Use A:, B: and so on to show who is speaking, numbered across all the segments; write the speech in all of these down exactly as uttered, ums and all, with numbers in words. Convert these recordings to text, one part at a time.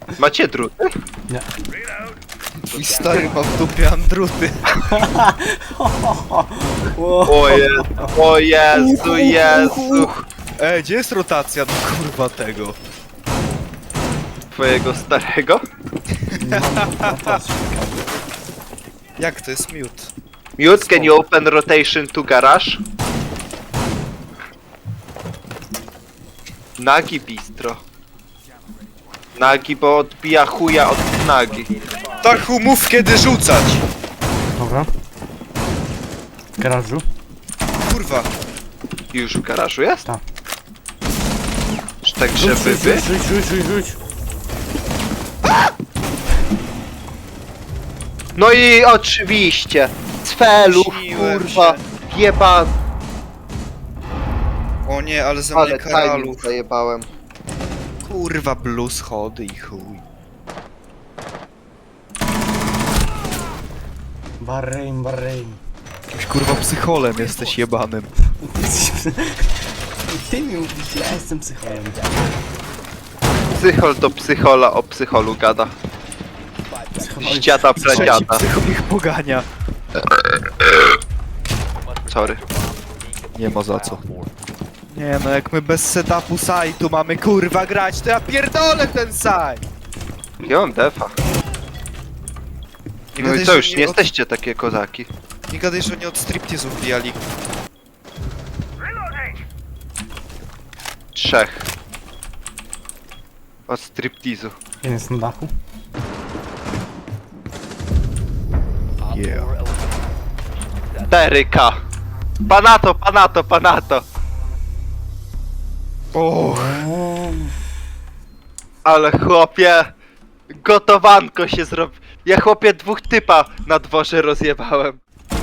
A: Macie druty?
B: Nie.
C: Twój stary ma w dupie andruty.
A: O Jezu, o Jezu, Jezu.
C: Ej, gdzie jest rotacja do kurwa tego?
A: Twojego starego?
C: Jak to jest mute?
A: Mute, can you open rotation to garage? Nagi bistro. Nagi, bo odbija chuja od nagi.
C: Tachu, mów kiedy rzucać!
B: Dobra. W garażu?
C: Kurwa.
A: Już w garażu jest?
B: Tak.
A: Czy tak,
B: Rzuć,
A: żeby
B: rzuć,
A: wy?
B: rzuć, rzuć, rzuć, rzuć.
A: No i oczywiście! Cfelu,
C: Śniłem
A: kurwa,
C: się.
A: jeba...
C: O nie, ale za mnie
A: Ale
C: karalu.
A: timing zajebałem.
C: Kurwa, blues, chody i chuj.
B: Bahrein, Bahrein.
C: Jakimś kurwa psycholem jesteś jebanym.
B: Ty mi mówisz, ja jestem psycholem.
A: Psychol to psychola, o psycholu gada. Z dziada
C: Trzeci
A: pradziada.
C: psychol ich pogania.
A: Sorry.
C: Nie ma za co. Nie no, jak my bez setupu sajtu mamy kurwa grać, to ja pierdolę ten site!
A: Ja mam defa.
C: Nie
A: No
C: gadaj,
A: i co,
C: że
A: już nie
C: od-
A: jesteście takie kozaki.
C: Nie gadaj, że oni od striptizów bijali.
A: Trzech. Od striptizu.
B: Jeden jest na dachu.
C: Yeah.
A: cztery K. Panato, panato, panato.
C: Och,
A: Ale chłopie, gotowanko się zrobi. Ja chłopie dwóch typa na dworze rozjebałem.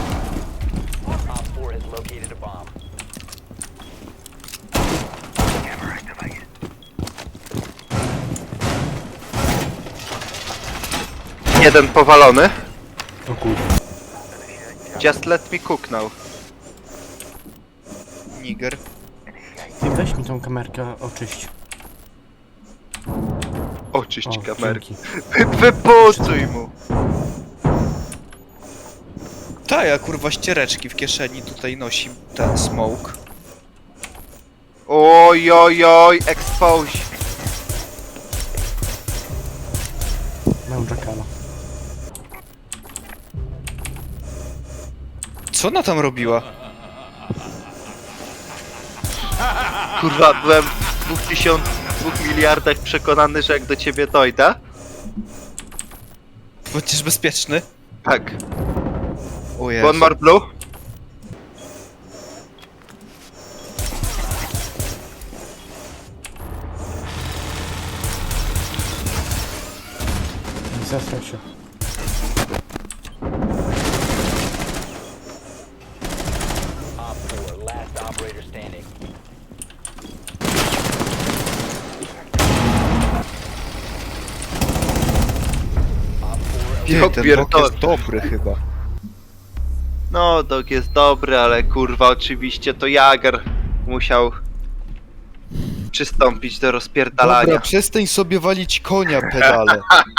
A: Jeden powalony.
B: O kurwa.
A: Just let me cook now.
C: niger.
B: Ty weź mi tą kamerkę, oczyść.
A: Oczyść
B: O,
A: kamerki.
B: dzięki.
A: Wypucuj mu.
C: Ta, ja kurwa ściereczki w kieszeni tutaj nosi ten smoke.
A: Oj, oj, oj, expose.
B: Mam Jackala.
C: Co ona tam robiła?
A: Kurwa, byłem w dwóch tysiąc, dwóch miliardach przekonany, że jak do ciebie dojdę.
C: Będziesz bezpieczny?
A: Tak.
C: O Jezu.
A: One more blue.
B: Nie zesraj się.
C: Ty,
A: Ja
C: ten
A: pierdolę.
C: bok jest dobry chyba.
A: No, dog jest dobry, ale kurwa, oczywiście to Jager musiał przystąpić do rozpierdalania.
C: Dobra, przestań sobie walić konia, pedale.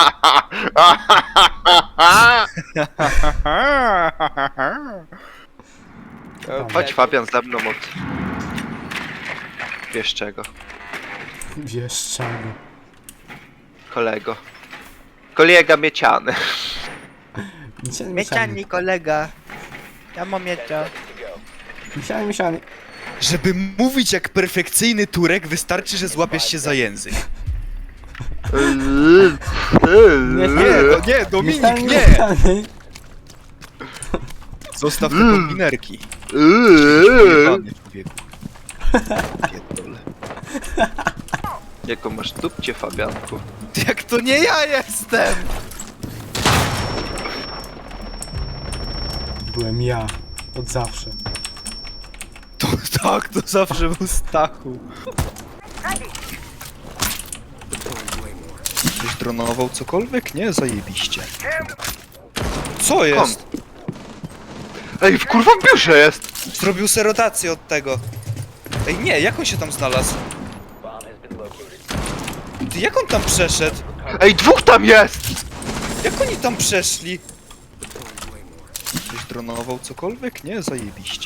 A: Chodź Fabian ze mną od... Wiesz czego,
B: Wiesz czego.
A: kolego. Kolega mieciany.
B: Miesiany,
D: Mieciani kolega. Ja mam miecia.
B: Miesiany, miesiany.
C: Żeby mówić jak perfekcyjny Turek, wystarczy, że złapiesz się za język. Nie, no nie, Dominik,
B: Miesiany,
C: nie!
B: miesiany.
C: Zostaw te kombinerki. Jebany człowieku. Pierdolę.
A: Jaką masz dupcie, Fabianku?
C: Jak to nie ja jestem!
B: Byłem ja. Od zawsze.
C: To tak, to zawsze był Stachu. Ktoś dronował cokolwiek? Nie, zajebiście. Co jest?
A: Ej, w kurwa w biurze jest!
C: Zrobił se rotację od tego. Ej, nie, jak on się tam znalazł? Ty, jak on tam przeszedł?
A: Ej, dwóch tam jest!
C: Jak oni tam przeszli? Ktoś dronował cokolwiek? Nie, zajebiście.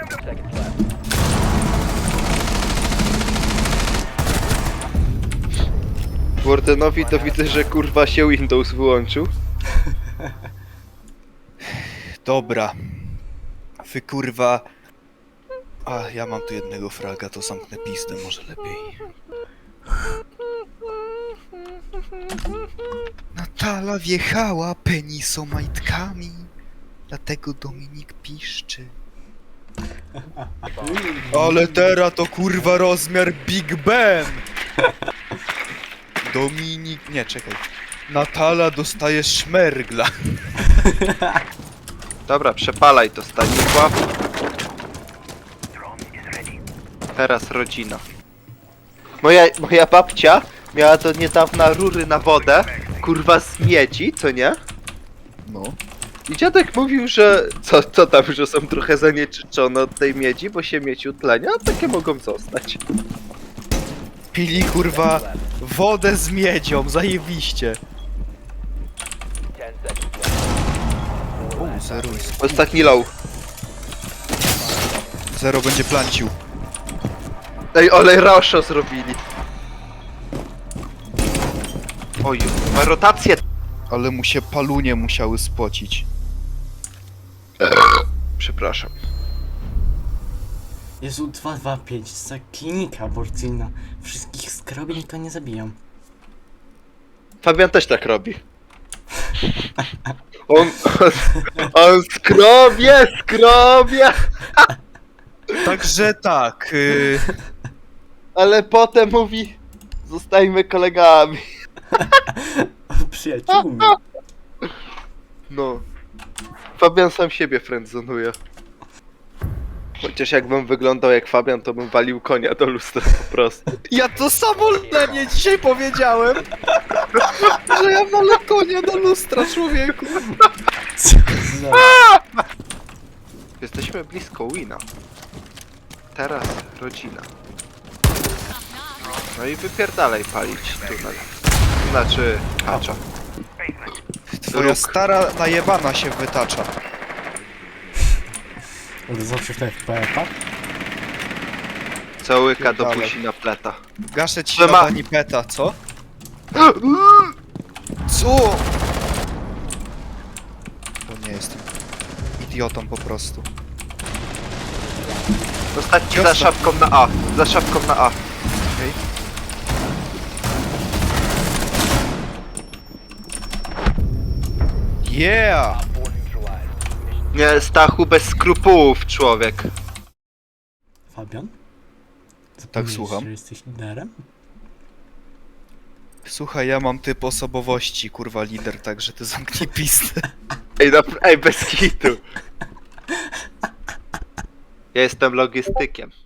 A: Wardenowi to widzę, że kurwa się Windows wyłączył.
C: Dobra. Wy kurwa... A, ja mam tu jednego fraga, to zamknę pizdę może lepiej. Natala wjechała penisomajtkami, dlatego Dominik piszczy. Ale teraz to kurwa rozmiar Big Ben! Dominik... nie, czekaj. Natala dostaje szmergla.
A: Dobra, przepalaj to, Stanisław. Teraz rodzina. Moja, moja babcia miała do niedawna rury na wodę, kurwa z miedzi, co nie?
C: No.
A: I dziadek mówił, że co, co tam, że są trochę zanieczyszczone od tej miedzi, bo się miedź utlenia, a takie mogą zostać.
C: Pili kurwa wodę z miedzią, zajebiście. O, zero jest.
A: Ostatni low.
C: Zero będzie plancił.
A: Ej, olej Rosho zrobili. Oj, ma rotację.
C: Ale mu się palunie musiały spocić.
A: Przepraszam.
B: Jezu, dwa dwa pięć, to jest klinika aborcyjna. Wszystkich skrobień to nie zabijam.
A: Fabian też tak robi. On, on, on skrobie, skrobie,
C: Także tak, yy,
A: ale potem mówi, zostańmy kolegami.
B: Przyjaciółmi.
A: No. Fabian sam siebie friendzonuje. Chociaż jakbym wyglądał jak Fabian, to bym walił konia do lustra po prostu.
C: ja to samo na mnie dzisiaj powiedziałem, że ja walę konia do lustra, człowieku.
B: Co za...
A: Jesteśmy blisko wina. Teraz rodzina. No i wypierdalaj palić tunel. Znaczy, kacza.
C: Twoja
A: Róg.
C: stara najebana się wytacza.
B: Ale zawsze w F P F-ach?
A: Całyka do
C: Dalej.
A: buzi na pleta.
C: Gaszę ci
A: Ale
C: na
A: ma-
C: banipeta, co? Co? To nie jestem idiotą po prostu.
A: Ostatni za
C: Ciosno.
A: szafką na A. Za szafką na A.
C: Okej. Yeah!
A: Nie, Stachu bez skrupułów, człowiek.
B: Fabian?
C: Tak,
B: Zapomniałeś,
C: słucham.
B: że jesteś liderem?
C: Słuchaj, ja mam typ osobowości, kurwa lider, także ty zamknij pistę.
A: Ej, no, ej, bez kitu. Ja jestem logistykiem.